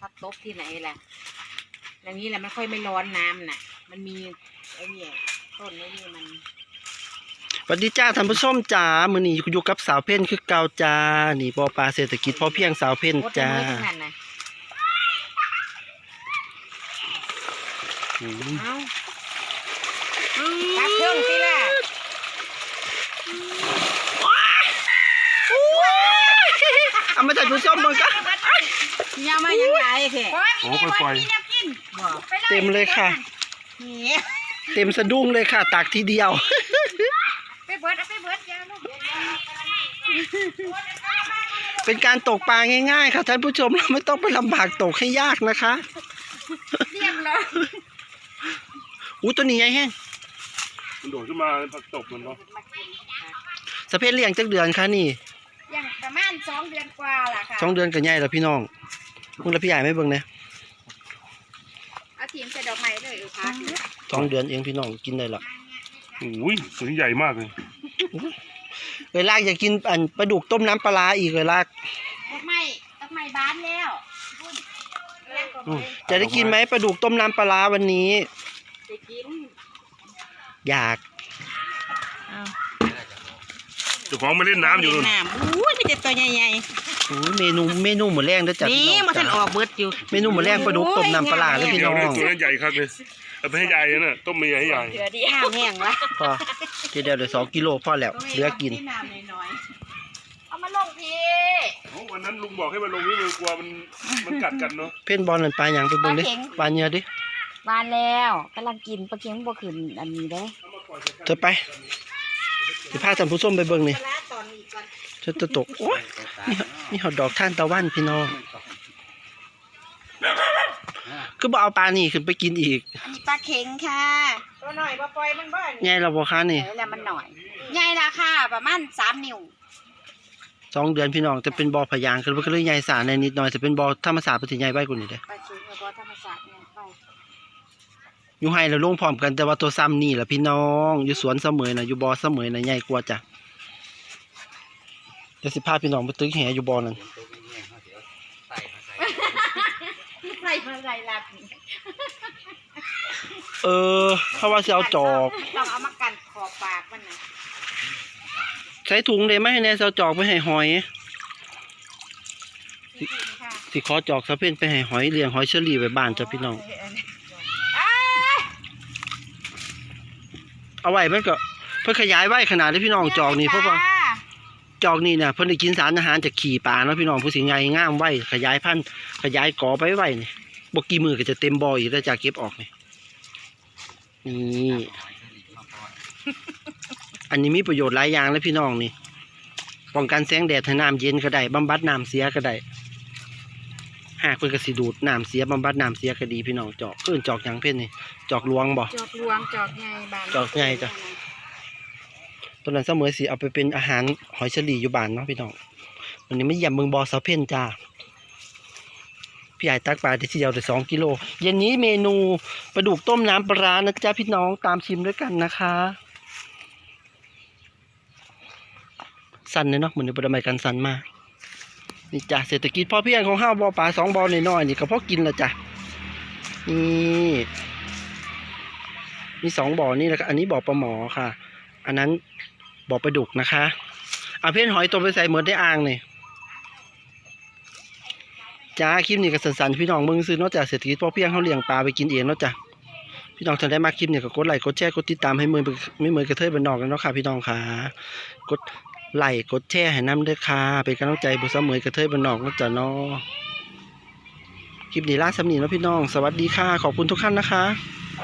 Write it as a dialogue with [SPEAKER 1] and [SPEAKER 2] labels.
[SPEAKER 1] พักตบที่ไหนล่ะอย่างนี้แหละมันค่อยไม่ร้อนน้ำน่ะมันมีไอ้นี่ต้นไอ้นี่มัน
[SPEAKER 2] สวัสดีจ้าท่านผู้ชมจ้ามื้อนี้อยู่กับสาวเพ่นคือเก่าจ้านี่บ่อปลาเศรษฐกิจพอเพียงสาวเพ่นจ้า
[SPEAKER 1] เอาตักเครื่องสิล่ะ
[SPEAKER 2] เอามาท่านผู้ชมมึงก็
[SPEAKER 1] ยามายังไงเถอะ
[SPEAKER 3] โอ้ปล่อย
[SPEAKER 2] เต็มเลยค่ะเต็มสะดุ้งเลยค่ะตักทีเดียว
[SPEAKER 1] ไปเบิดยาลูก
[SPEAKER 2] เป็นการตกปลาง่ายๆค่ะท่านผู้ชมเราไม่ต้องไปลำบากตกให้ยากนะคะ
[SPEAKER 1] เรียบร้อย
[SPEAKER 2] ตัวนี้ไงแห้ง
[SPEAKER 3] มันโดดขึ้นมาผักตบมันเนาะ
[SPEAKER 2] สะเพศเลี้ยงจักเดือนค่ะนี่
[SPEAKER 1] ยังประมาณ2 เดือนกว่าล่ะค่ะ
[SPEAKER 2] 2 เดือนก็ใหญ่แล้วพี่น้องมึงแล้วพี่ใหญ่ไม่เบิ่งเนี่ย
[SPEAKER 1] เอาทีมใส่ดอกไม้เลยพัก
[SPEAKER 2] 2 เดือนเองพี่น้องกินได้หรอ
[SPEAKER 3] อุ้ยตัวนี้ใหญ่มากเลย
[SPEAKER 2] เลยลากอยากกินปลาดุกต้มน้ำปลาอีกเลยลาก
[SPEAKER 1] ดอกไม้บานแล้ว
[SPEAKER 2] จะได้กินไหมปลาดุกต้มน้ำปลาวันนี้
[SPEAKER 1] จะกิน
[SPEAKER 2] อยาก
[SPEAKER 3] เจ้าของมาเล่นน้ำอยู่
[SPEAKER 1] น้ำอุ้ยมีแต่ตัวใหญ่
[SPEAKER 2] ๆเมนูหมูแรงด้วยจ้ะ
[SPEAKER 1] นี่มันทันออกเบิดอยู่
[SPEAKER 2] เมนูหมูแรงปลาดุกต้มน้ำปลาเลยพี่น้อง
[SPEAKER 3] ตัวนี้ใหญ่ครับเลยเอาไปให้ใหญ่นะต้มไม่ใหญ่ให้ใหญ่
[SPEAKER 1] เดี๋ยวดีห้ามแห้งวะ
[SPEAKER 2] พอเดี๋ยว2 กิโลพอแล้วเหลือกิน
[SPEAKER 1] เอามาลงพี่
[SPEAKER 3] วันนั้นลุงบอกให้มันลงนี่มันกลัวมันกัดกันเนาะ
[SPEAKER 2] เพ่นบอลนั่นปลาอย่างไปเบิ่งดิปลาเนื้อดิ
[SPEAKER 1] บานแล้วกำลังกินปลาเค็งบ่ขึ้นอันนี้ได้
[SPEAKER 2] เธอไปสิพาท่านผู้ชมไปเบิ่งนี่จะตกโอ้ยนี่หอดดอกท่านตะวันพี่น้องคือบ่เอาปลานี่ขึ้นไปกินอีก
[SPEAKER 1] ปลาเค็งค่ะตัวหน่อยบ่ปล่อยมันบ่
[SPEAKER 2] ใหญ่เราบ่คะนี่
[SPEAKER 1] แล้วมันหน่อยใหญ่ราคาประมาณ3 นิ้ว
[SPEAKER 2] 2 เดือนพี่น้องจะเป็นบ่อพยางคือมันก็เลยใหญ่สาในนิดหน่อยจะเป็นบ่อธรรมศาสตร์ปฏิใหญ่ใบกว่านี้เด้
[SPEAKER 1] ปลาเค็งกับบ่อธรรมศาสตร์เนี่ยไป
[SPEAKER 2] อยู่ให้เราลงพร้อมกันแต่ว่าตัวซ้ำนี่แหละพี่น้องอยู่สวนเสมอนะอยู่บ่อเสมอนะใหญ่กว่าจ้ะเดี๋ยวสิพาพี่น้องไปตึกแหอยู่บ่อนั่น
[SPEAKER 1] ใส่มาใส่ลัด
[SPEAKER 2] เขาว่าจะเอาจอก
[SPEAKER 1] ต้องเอามากันขอบปากมันนะ
[SPEAKER 2] ใช้ถุงเลยไหมให้แน่เอาจอกไปให้หอยสิขอจอกสะเพ่นไปให้หอยเลี้ยงหอยเชอรี่ไว้บ้านจ้ะพี่น้องเอาไว้มันก็เพื่อขยายไว้ขนาดที่พี่น้องจอกนี่เพราะว่าจอกนี่เนี่ยเพื่อได้กินสารอาหารจากขี่ปลาเนาะพี่น้องผู้สิงไงง่ามไว้ขยายพันธุ์ขยายกอไปไว้นี่บกี่มือก็จะเต็มบ่ออีกแล้วจากเก็บออกนี่อันนี้มีประโยชน์หลายอย่างเลยพี่น้องนี่ป้องกันแสงแดดให้น้ำเย็นก็ได้บำบัดน้ำเสียก็ได้หากเพื่อกระสีดูดน้ำเสียบำบัดน้ำเสียก็ดีพี่น้องจอกจอกอย่างเพ่นนี่จอกลวงบ่
[SPEAKER 1] จอกลวงจอกใหญ่บาน
[SPEAKER 2] จอกใหญ่จ้ะตอนนั้นเสมอสิเอาไปเป็นอาหารหอยเชอรี่อยู่บ้านเนาะพี่น้องวันนี้ไม่ยำเมืองบอสาวเพ่นจ้าพี่ใหญ่ตักปลาได้ทีเดียวได้2 กิโลเย็นนี้เมนูปลาดุกต้มน้ำปลานะจ๊ะพี่น้องตามชิมด้วยกันนะคะสั่นเลยเนาะเหมือนในประเมินกันสั่นมากนี่จ้ะเศรษฐกิจพอเพียงของห้าบ่อปลา2 บ่อน้อยๆนี่ก็พอกินละจ้ะนี่มี2 บ่อนี่แหละอันนี้บ่อปลาหมอค่ะอันนั้นบ่อปลาดุกนะคะเอาเพ่นหอยตัวไปใส่เหมือนได้อ่างนี่จ้าคลิปนี้ก็สั้นๆพี่น้องมึงซื้อนอกจากเศรษฐกิจพอเพียงเขาเลี้ยงปลาไปกินเองเนาะจ้ะพี่น้องท่านได้มาคลิปนี้ก็กดไลค์กดแชร์กดติดตามให้มือไม่เหมือนกระเทยบ้านนอกกันเนาะค่ะพี่น้องค่ะกดไลค์กดแชร์ให้น้ำด้วยค่ะเป็นกำลังใจบุษเหมยกระเทยบ้านนอกเนาะจ้ะเนาะคลิปนี้ล่าสำนีเนาะพี่น้องสวัสดีค่ะขอบคุณทุกท่านนะคะ